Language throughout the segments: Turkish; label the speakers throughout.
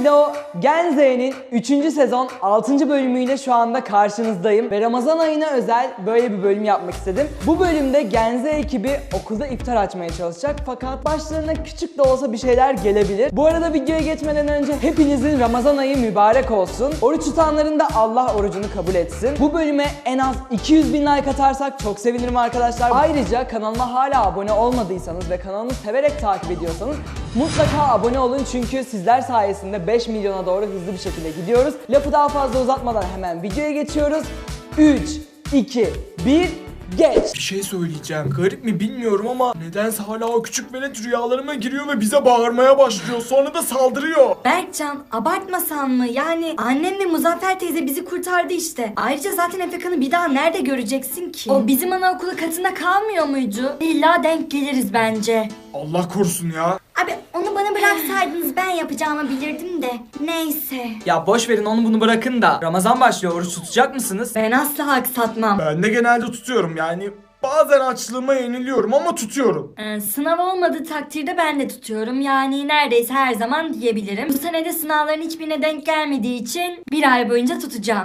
Speaker 1: Hello Genze'nin 3. sezon 6. bölümüyle şu anda karşınızdayım ve Ramazan ayına özel böyle bir bölüm yapmak istedim. Bu bölümde Genze ekibi okulda iftar açmaya çalışacak fakat başlarına küçük de olsa bir şeyler gelebilir. Bu arada videoya geçmeden önce hepinizin Ramazan ayı mübarek olsun. Oruç tutanların da Allah orucunu kabul etsin. Bu bölüme en az 200.000 like atarsak çok sevinirim arkadaşlar. Ayrıca kanalıma hala abone olmadıysanız ve kanalımı severek takip ediyorsanız mutlaka abone olun çünkü sizler sayesinde 5 milyona doğru hızlı bir şekilde gidiyoruz. Lafı daha fazla uzatmadan hemen videoya geçiyoruz. 3, 2, 1, geç!
Speaker 2: Bir şey söyleyeceğim. Garip mi bilmiyorum ama nedense hala o küçük velet rüyalarıma giriyor ve bize bağırmaya başlıyor. Sonra da saldırıyor.
Speaker 3: Berkcan, abartmasan mı? Yani annem ve Muzaffer teyze bizi kurtardı işte. Ayrıca zaten Efekan'ı bir daha nerede göreceksin ki? O bizim anaokulu katında kalmıyor muydu? İlla denk geliriz bence.
Speaker 2: Allah korusun ya.
Speaker 3: Abi onu bana bıraksaydınız ben yapacağımı bilirdim de. Neyse.
Speaker 4: Ya boş verin onu bunu bırakın da Ramazan başlıyor, oruç tutacak mısınız?
Speaker 3: Ben asla aksatmam.
Speaker 2: Ben de genelde tutuyorum yani. Bazen açlığıma yeniliyorum ama tutuyorum.
Speaker 3: Sınav olmadığı takdirde ben de tutuyorum. Yani neredeyse her zaman diyebilirim. Bu sene de sınavların hiçbirine denk gelmediği için bir ay boyunca tutacağım.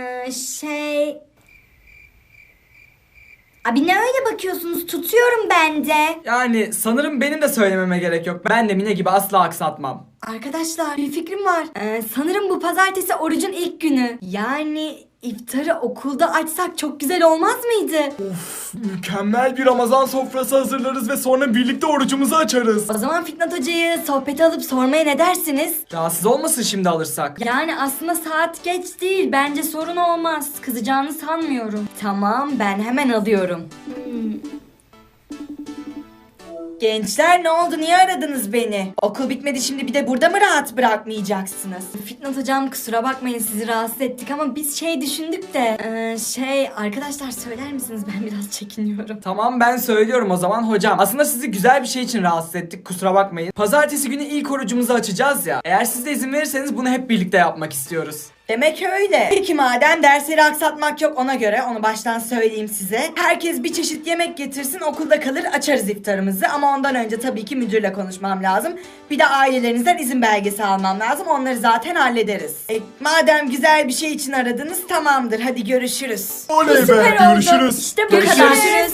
Speaker 3: Abi ne öyle bakıyorsunuz? Tutuyorum ben de.
Speaker 4: Yani sanırım benim de söylememe gerek yok. Ben de Mine gibi asla aksatmam.
Speaker 3: Arkadaşlar bir fikrim var. Sanırım bu pazartesi orucun ilk günü. Yani iftarı okulda açsak çok güzel olmaz mıydı?
Speaker 2: Mükemmel bir Ramazan sofrası hazırlarız ve sonra birlikte orucumuzu açarız.
Speaker 3: O zaman Fitnat Hoca'yı sohbete alıp sormaya ne dersiniz?
Speaker 4: Rahatsız olmasın şimdi alırsak.
Speaker 3: Yani aslında saat geç değil. Bence sorun olmaz. Kızacağını sanmıyorum. Tamam ben hemen alıyorum. Gençler ne oldu? Niye aradınız beni? Okul bitmedi şimdi bir de burada mı rahat bırakmayacaksınız? Fitnat hocam kusura bakmayın sizi rahatsız ettik ama biz düşündük de arkadaşlar söyler misiniz? Ben biraz çekiniyorum.
Speaker 4: Tamam ben söylüyorum o zaman hocam. Aslında sizi güzel bir şey için rahatsız ettik, kusura bakmayın. Pazartesi günü ilk orucumuzu açacağız ya. Eğer siz de izin verirseniz bunu hep birlikte yapmak istiyoruz.
Speaker 3: Demek öyle. Peki madem dersleri aksatmak yok ona göre onu baştan söyleyeyim size. Herkes bir çeşit yemek getirsin okulda kalır açarız iftarımızı ama ondan önce tabii ki müdürle konuşmam lazım. Bir de ailelerinizden izin belgesi almam lazım onları zaten hallederiz. Madem güzel bir şey için aradınız tamamdır hadi görüşürüz.
Speaker 2: Oley be,
Speaker 3: Süper oldu.
Speaker 2: görüşürüz.
Speaker 3: İşte bu
Speaker 2: Görüşürüz.
Speaker 3: kadar. Görüşürüz.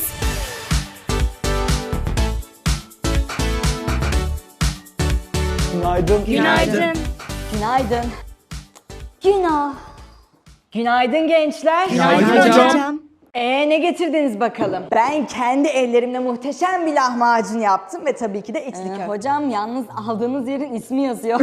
Speaker 1: Günaydın.
Speaker 3: Günaydın.
Speaker 1: Günaydın.
Speaker 3: Günah.
Speaker 1: Günaydın gençler.
Speaker 2: Günaydın hocam.
Speaker 1: Ne getirdiniz bakalım? Ben kendi ellerimle muhteşem bir lahmacun yaptım ve tabii ki de içli köfte.
Speaker 5: Hocam yalnız aldığınız yerin ismi yazıyor.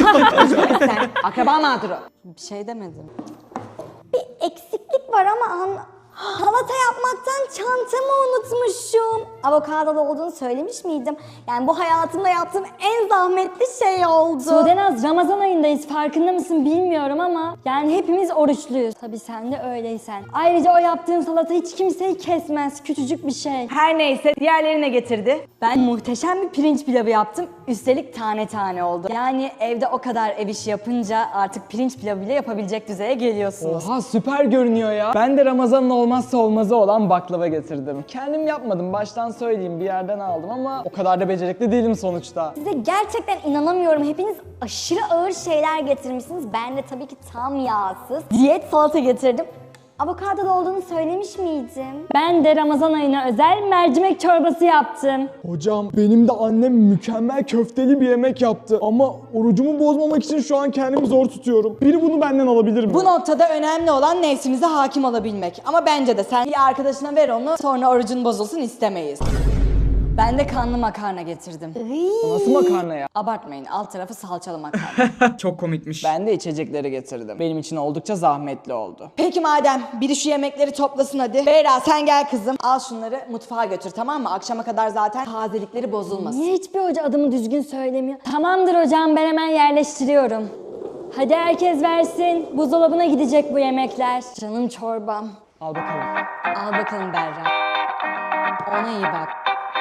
Speaker 1: Sen akraba mağduru.
Speaker 5: Bir şey demedim.
Speaker 6: Bir eksiklik var ama salata yapmaktan çantamı unutmuşum. Avokadolu olduğunu söylemiş miydim? Yani bu hayatımda yaptığım en zahmetli şey oldu.
Speaker 5: Sudenaz Ramazan ayındayız farkında mısın bilmiyorum ama yani hepimiz oruçluyuz. Tabii sen de öyleysen. Ayrıca o yaptığın salata hiç kimseyi kesmez. Küçücük bir şey.
Speaker 1: Her neyse diğerleri ne getirdi?
Speaker 5: Ben muhteşem bir pirinç pilavı yaptım. Üstelik tane tane oldu. Yani evde o kadar ev işi yapınca artık pirinç pilavı bile yapabilecek düzeye geliyorsunuz.
Speaker 1: Oha süper görünüyor ya. Ben de Ramazan'ın olmazsa olmazı olan baklava getirdim. Kendim yapmadım baştan söyleyeyim bir yerden aldım ama o kadar da becerikli değilim sonuçta.
Speaker 6: Size gerçekten inanamıyorum. Hepiniz aşırı ağır şeyler getirmişsiniz. Ben de tabii ki tam yağsız diyet salata getirdim. Avokadolu olduğunu söylemiş miydim?
Speaker 5: Ben de Ramazan ayına özel mercimek çorbası yaptım.
Speaker 2: Hocam benim de annem mükemmel köfteli bir yemek yaptı ama orucumu bozmamak için şu an kendimi zor tutuyorum. Biri bunu benden alabilir mi?
Speaker 1: Bu noktada önemli olan nefsimize hakim olabilmek. Ama bence de sen bir arkadaşına ver onu sonra orucun bozulsun istemeyiz.
Speaker 5: Ben de kanlı makarna getirdim.
Speaker 1: O nasıl makarna ya?
Speaker 5: Abartmayın alt tarafı salçalı makarna.
Speaker 4: Çok komikmiş.
Speaker 1: Ben de içecekleri getirdim. Benim için oldukça zahmetli oldu. Peki madem biri şu yemekleri toplasın hadi. Beyra sen gel kızım. Al şunları mutfağa götür tamam mı? Akşama kadar zaten tazelikleri bozulmasın.
Speaker 5: Niye hiçbir hoca adımı düzgün söylemiyor? Tamamdır hocam ben hemen yerleştiriyorum. Hadi herkes versin. Buzdolabına gidecek bu yemekler. Canım çorbam.
Speaker 1: Al bakalım.
Speaker 5: Al bakalım Berra. Ona iyi bak.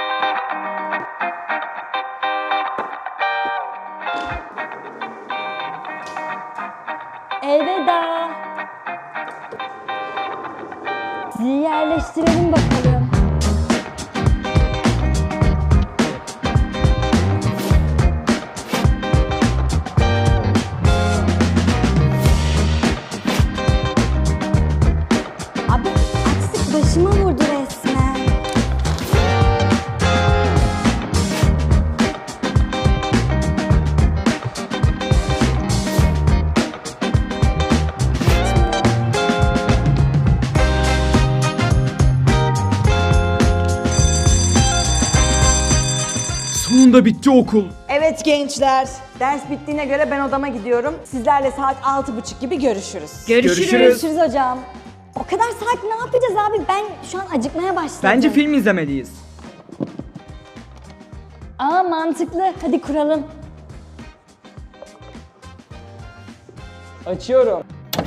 Speaker 5: Elveda. Sizi yerleştirelim bakalım.
Speaker 4: Sonunda bitti okul.
Speaker 3: Evet gençler, ders bittiğine göre ben odama gidiyorum. Sizlerle saat 6:30 gibi görüşürüz.
Speaker 4: Görüşürüz.
Speaker 6: Görüşürüz hocam. O kadar saat ne yapacağız abi? Ben şu an acıkmaya başladım.
Speaker 4: Bence film izlemeliyiz.
Speaker 5: Aa mantıklı. Hadi kuralım.
Speaker 1: Açıyorum.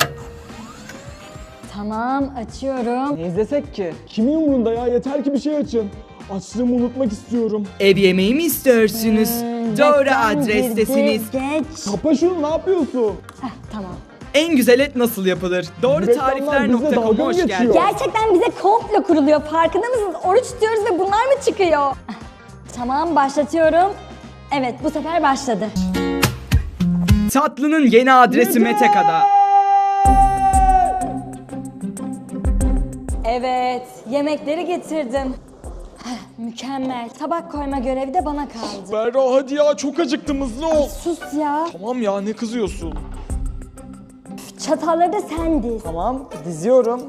Speaker 5: Tamam açıyorum.
Speaker 1: Ne izlesek ki?
Speaker 2: Kimin umurunda ya? Yeter ki bir şey açın. Açlığımı unutmak istiyorum.
Speaker 4: Ev yemeği mi istiyorsunuz? Doğru
Speaker 5: Reklam
Speaker 4: adrestesiniz.
Speaker 5: girdi, Geç.
Speaker 2: Kapa şunu, ne yapıyorsun?
Speaker 5: Tamam.
Speaker 4: En güzel et nasıl yapılır? Doğru
Speaker 2: Reklamlar bizle
Speaker 4: tarifler.com'a
Speaker 2: dalga
Speaker 4: hoş
Speaker 2: mı
Speaker 4: geldin.
Speaker 2: geçiyor?
Speaker 6: Gerçekten bize komplo kuruluyor. Farkında mısınız? Oruç tutuyoruz ve bunlar mı çıkıyor?
Speaker 5: Tamam başlatıyorum. Evet bu sefer başladı.
Speaker 4: Tatlının yeni adresi Meteka'da.
Speaker 5: Evet yemekleri getirdim. Mükemmel. Tabak koyma görevi de bana kaldı.
Speaker 2: Berra hadi ya, çok acıktım, hızlı ol.
Speaker 5: Sus ya.
Speaker 2: Tamam ya, ne kızıyorsun?
Speaker 5: Çatalları da sen diz.
Speaker 1: Tamam, diziyorum.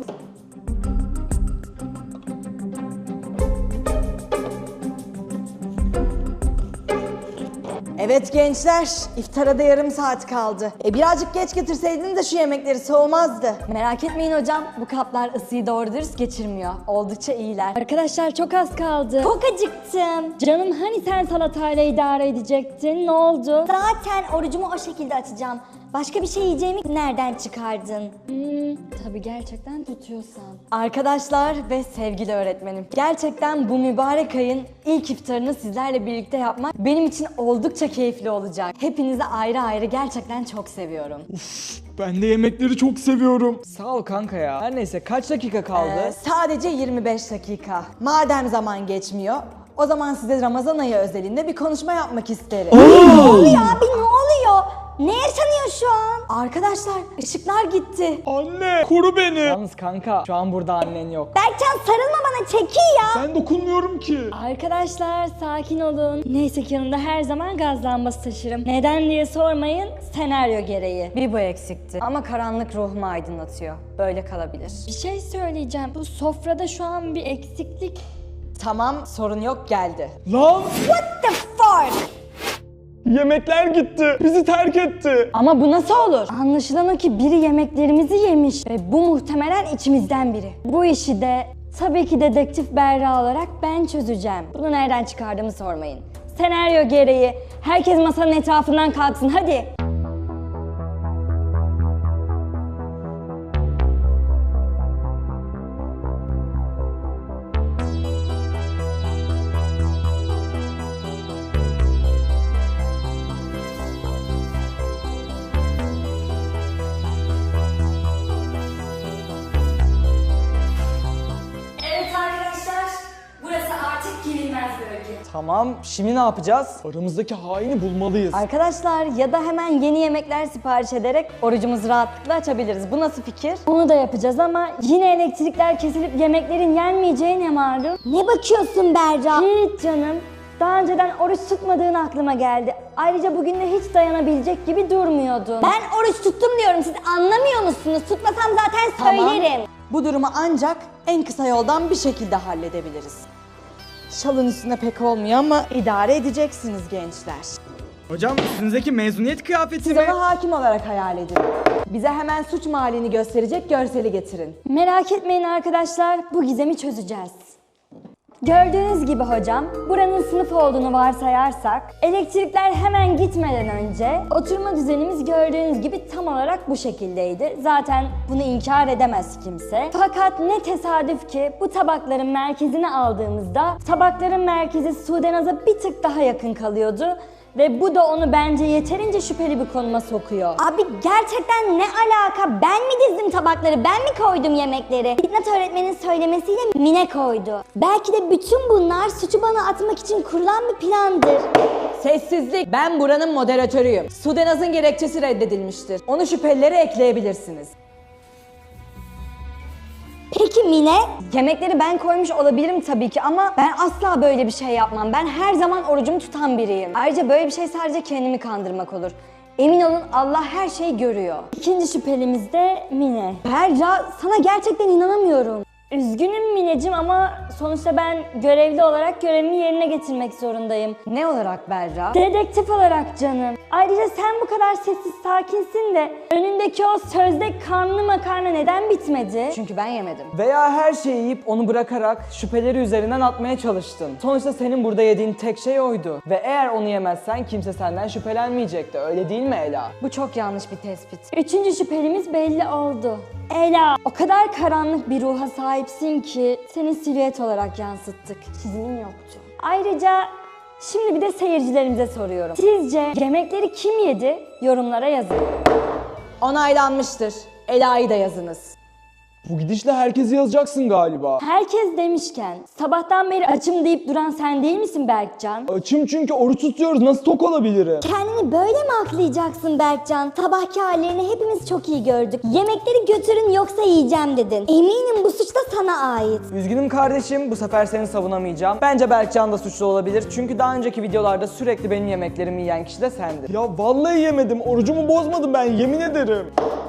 Speaker 3: Evet gençler, iftara da yarım saat kaldı. Birazcık geç getirseydin de şu yemekleri soğumazdı.
Speaker 5: Merak etmeyin hocam. Bu kaplar ısıyı doğru dürüst geçirmiyor. Oldukça iyiler. Arkadaşlar çok az kaldı.
Speaker 6: Çok acıktım.
Speaker 5: Canım hani sen salatayla idare edecektin? Ne oldu?
Speaker 6: Zaten orucumu o şekilde açacağım. Başka bir şey yiyeceğimi nereden çıkardın?
Speaker 5: Tabii gerçekten tutuyorsan.
Speaker 3: Arkadaşlar ve sevgili öğretmenim, gerçekten bu mübarek ayın ilk iftarını sizlerle birlikte yapmak benim için oldukça keyifli olacak. Hepinizi ayrı ayrı gerçekten çok seviyorum.
Speaker 2: Ben de yemekleri çok seviyorum.
Speaker 1: Sağ ol kanka ya. Her neyse kaç dakika kaldı?
Speaker 3: Sadece 25 dakika. Madem zaman geçmiyor, o zaman size Ramazan ayı özelinde bir konuşma yapmak isterim.
Speaker 6: Ne oluyor abi, ne oluyor? Ne yaşanıyor şu an?
Speaker 3: Arkadaşlar, ışıklar gitti.
Speaker 2: Anne, koru beni.
Speaker 1: Yalnız kanka şu an burada annen yok.
Speaker 6: Berkcan sarılma bana, çekil ya.
Speaker 2: Ben dokunmuyorum ki.
Speaker 5: Arkadaşlar sakin olun. Neyse ki yanımda her zaman gaz lambası taşırım. Neden diye sormayın. Senaryo gereği.
Speaker 3: Bir bu eksikti ama karanlık ruhumu aydınlatıyor. Böyle kalabilir.
Speaker 5: Bir şey söyleyeceğim. Bu sofrada şu an bir eksiklik.
Speaker 3: Tamam, sorun yok, geldi.
Speaker 2: Lan,
Speaker 6: What the fuck?
Speaker 2: yemekler gitti. Bizi terk etti.
Speaker 5: Ama bu nasıl olur? Anlaşılan o ki biri yemeklerimizi yemiş ve bu muhtemelen içimizden biri. Bu işi de tabii ki dedektif Berra olarak ben çözeceğim. Bunu nereden çıkardığımı sormayın. Senaryo gereği herkes masanın etrafından kalksın hadi.
Speaker 6: Evet arkadaşlar, burası artık girilmez bölge.
Speaker 1: Tamam, şimdi ne yapacağız?
Speaker 2: Aramızdaki haini bulmalıyız.
Speaker 3: Arkadaşlar ya da hemen yeni yemekler sipariş ederek orucumuzu rahatlıkla açabiliriz. Bu nasıl fikir?
Speaker 5: Onu da yapacağız ama yine elektrikler kesilip yemeklerin yenmeyeceği ne malum?
Speaker 6: Ne bakıyorsun Berra?
Speaker 5: Hiç canım. Daha önceden oruç tutmadığın aklıma geldi. Ayrıca bugün de hiç dayanabilecek gibi durmuyordun.
Speaker 6: Ben oruç tuttum diyorum, siz anlamıyor musunuz? Tutmasam zaten söylerim.
Speaker 3: Bu durumu ancak en kısa yoldan bir şekilde halledebiliriz. Şalın üstüne pek olmuyor ama idare edeceksiniz gençler.
Speaker 4: Hocam üstünüzdeki mezuniyet kıyafeti
Speaker 3: Siz
Speaker 4: mi?
Speaker 3: onu hakim olarak hayal edin. Bize hemen suç mahallini gösterecek görseli getirin.
Speaker 5: Merak etmeyin arkadaşlar, bu gizemi çözeceğiz. Gördüğünüz gibi hocam, buranın sınıf olduğunu varsayarsak, elektrikler hemen gitmeden önce oturma düzenimiz gördüğünüz gibi tam olarak bu şekildeydi. Zaten bunu inkar edemez kimse. Fakat ne tesadüf ki bu tabakların merkezini aldığımızda tabakların merkezi Sudenaz'a bir tık daha yakın kalıyordu. Ve bu da onu bence yeterince şüpheli bir konuma sokuyor.
Speaker 6: Abi gerçekten ne alaka? Ben mi dizdim tabakları? Ben mi koydum yemekleri? Fitnat öğretmenin söylemesiyle Mine koydu. Belki de bütün bunlar suçu bana atmak için kurulan bir plandır.
Speaker 3: Sessizlik. Ben buranın moderatörüyüm. Sudenaz'ın gerekçesi reddedilmiştir. Onu şüphelilere ekleyebilirsiniz.
Speaker 6: Peki Mine?
Speaker 3: Yemekleri ben koymuş olabilirim tabii ki ama ben asla böyle bir şey yapmam. Ben her zaman orucumu tutan biriyim. Ayrıca böyle bir şey sadece kendimi kandırmak olur. Emin olun Allah her şeyi görüyor.
Speaker 5: İkinci şüphelimiz de Mine.
Speaker 3: Berra, sana gerçekten inanamıyorum.
Speaker 5: Üzgünüm Mineciğim ama sonuçta ben görevli olarak görevimi yerine getirmek zorundayım.
Speaker 6: Ne olarak Berra?
Speaker 5: Dedektif olarak canım. Ayrıca sen bu kadar sessiz sakinsin de önündeki o sözde kanlı makarna neden bitmedi?
Speaker 6: Çünkü ben yemedim.
Speaker 1: Veya her şeyi yiyip onu bırakarak şüpheleri üzerinden atmaya çalıştın. Sonuçta senin burada yediğin tek şey oydu. Ve eğer onu yemezsen kimse senden şüphelenmeyecekti. Öyle değil mi Ela?
Speaker 6: Bu çok yanlış bir tespit.
Speaker 5: Üçüncü şüphelimiz belli oldu. Ela, o kadar karanlık bir ruha sahipsin ki seni silüet olarak yansıttık. Çizimin yoktu. Ayrıca şimdi bir de seyircilerimize soruyorum. Sizce yemekleri kim yedi? Yorumlara yazın.
Speaker 6: Onaylanmıştır. Ela'yı da yazınız.
Speaker 2: Bu gidişle herkesi yazacaksın galiba.
Speaker 5: Herkes demişken sabahtan beri açım deyip duran sen değil misin Berkcan?
Speaker 2: Açım çünkü oruç tutuyoruz. Nasıl tok olabilirim?
Speaker 6: Kendini böyle mi aklayacaksın Berkcan? Sabahki hallerini hepimiz çok iyi gördük. Yemekleri götürün yoksa yiyeceğim dedin. Eminim bu suç da sana ait.
Speaker 1: Üzgünüm kardeşim, bu sefer seni savunamayacağım. Bence Berkcan da suçlu olabilir. Çünkü daha önceki videolarda sürekli benim yemeklerimi yiyen kişi de sendin.
Speaker 2: Ya vallahi yemedim. Orucumu bozmadım ben, yemin ederim.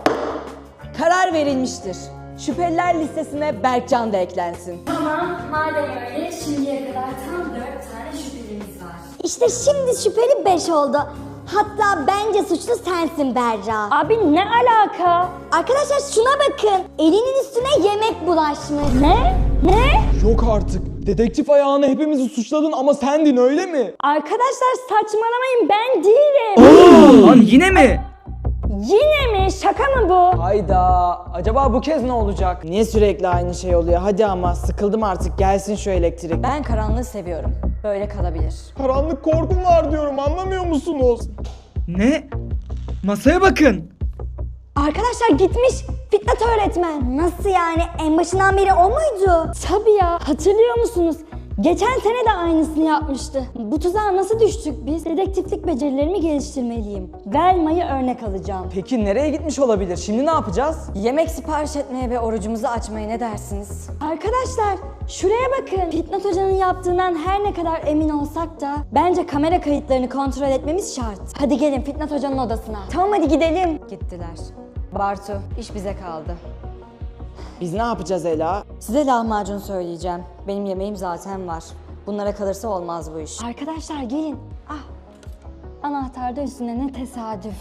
Speaker 6: Karar verilmiştir. Şüpheliler listesine Berkcan da eklensin.
Speaker 5: Tamam, madem öyle şimdiye kadar tam 4 tane şüphelimiz var.
Speaker 6: İşte şimdi şüpheli 5 oldu. Hatta bence suçlu sensin Berra.
Speaker 5: Abi ne alaka?
Speaker 6: Arkadaşlar şuna bakın. Elinin üstüne yemek bulaşmış.
Speaker 5: Ne? Ne?
Speaker 2: Yok artık. Dedektif ayağına hepimizi suçladın ama sendin, öyle mi?
Speaker 5: Arkadaşlar saçmalamayın, ben değilim.
Speaker 4: Lan yine mi?
Speaker 5: Yine mi? Şaka mı bu?
Speaker 1: Hayda, acaba bu kez ne olacak? Niye sürekli aynı şey oluyor? Hadi ama sıkıldım artık, gelsin şu elektrik.
Speaker 6: Ben karanlığı seviyorum. Böyle kalabilir.
Speaker 2: Karanlık korkum var diyorum, anlamıyor musunuz?
Speaker 4: Ne? Masaya bakın.
Speaker 6: Arkadaşlar gitmiş. Fitnat öğretmen. Nasıl yani? En başından beri o muydu?
Speaker 5: Tabii ya, hatırlıyor musunuz? Geçen sene de aynısını yapmıştı. Bu tuzağa nasıl düştük biz? Dedektiflik becerilerimi geliştirmeliyim. Velma'yı örnek alacağım.
Speaker 1: Peki nereye gitmiş olabilir? Şimdi ne yapacağız?
Speaker 6: Yemek sipariş etmeye ve orucumuzu açmaya ne dersiniz?
Speaker 5: Arkadaşlar şuraya bakın. Fitnat Hoca'nın yaptığından her ne kadar emin olsak da bence kamera kayıtlarını kontrol etmemiz şart. Hadi gelin Fitnat Hoca'nın odasına.
Speaker 6: Tamam hadi gidelim. Gittiler. Bartu, iş bize kaldı.
Speaker 1: Biz ne yapacağız Ela?
Speaker 6: Size lahmacun söyleyeceğim. Benim yemeğim zaten var. Bunlara kalırsa olmaz bu iş.
Speaker 5: Arkadaşlar gelin. Ah. Anahtar da üstünde, ne tesadüf.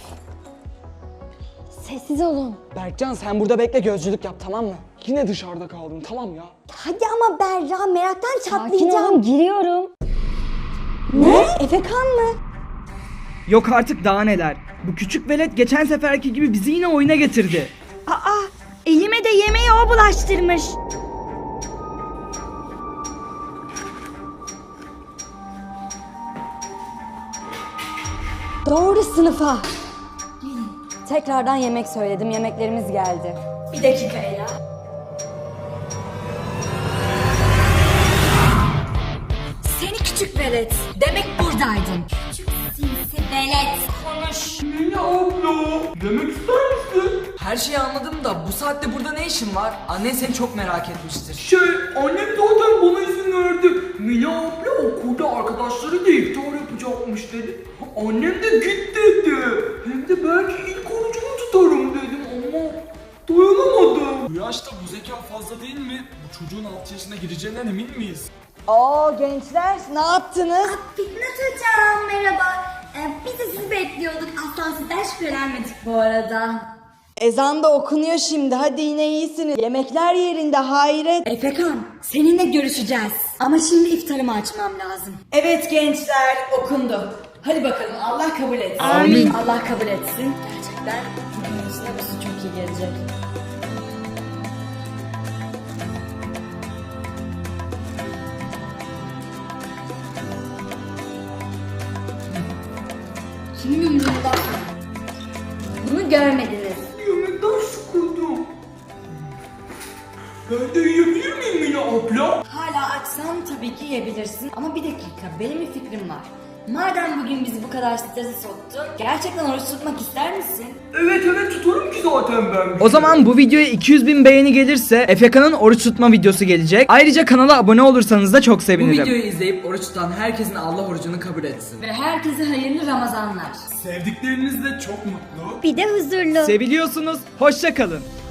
Speaker 5: Sessiz olun.
Speaker 1: Berkcan sen burada bekle, gözcülük yap, tamam mı?
Speaker 2: Yine dışarıda kaldım, tamam ya.
Speaker 6: Hadi ama Berra, meraktan
Speaker 5: Sakin
Speaker 6: çatlayacağım.
Speaker 5: olun, giriyorum.
Speaker 6: Ne? Efekan mı?
Speaker 4: Yok artık, daha neler. Bu küçük velet geçen seferki gibi bizi yine oyuna getirdi.
Speaker 5: Aa, elime de yemeği o bulaştırmış.
Speaker 6: Doğru sınıfa. Tekrardan yemek söyledim. Yemeklerimiz geldi.
Speaker 5: Bir dakika Ela.
Speaker 6: Seni küçük velet. Demek buradaydın. Küçük sinsi velet. Konuş.
Speaker 4: Her şeyi anladım da bu saatte burada ne işin var? Annen seni çok merak etmiştir. Annem zaten bana izin verdi. Mila abla okulda arkadaşları da iftar yapacakmış dedi. Annem de git dedi. Hem de belki ilk orucumu tutarım dedim ama dayanamadım.
Speaker 7: Bu yaşta bu zeka fazla değil mi? Bu çocuğun 6 yaşına gireceğinden emin miyiz?
Speaker 6: Oo gençler, ne yaptınız?
Speaker 8: Fitnat hocam merhaba. Biz de sizi bekliyorduk. Asla sizden şüphelenmedik bu arada.
Speaker 6: Ezan da okunuyor şimdi. Hadi yine iyisiniz. Yemekler yerinde, hayret.
Speaker 8: Efekan seninle görüşeceğiz. Ama şimdi iftarımı açmam lazım.
Speaker 3: Evet gençler, okundu. Hadi bakalım, Allah kabul etsin.
Speaker 8: Amin. Allah kabul etsin. Gerçekten bugün üstüne bu su çok iyi gelecek. Kimin umurunda? Bunu görmediniz.
Speaker 4: Yemekten sıkıldım. Ben de yiyebilir miyim Mila abla?
Speaker 8: Hala açsan tabii ki yiyebilirsin ama bir dakika, benim bir fikrim var. Madem bugün bizi bu kadar strese soktun, gerçekten oruç tutmak ister misin?
Speaker 4: Evet tutarım ki zaten ben. O zaman bu videoya 200.000 beğeni gelirse Efeka'nın oruç tutma videosu gelecek. Ayrıca kanala abone olursanız da çok sevinirim. Bu videoyu izleyip oruç tutan herkesin Allah orucunu kabul etsin.
Speaker 8: Ve herkese hayırlı Ramazanlar.
Speaker 7: Sevdikleriniz de çok mutlu.
Speaker 6: Bir de huzurlu.
Speaker 4: Seviliyorsunuz. Hoşça kalın.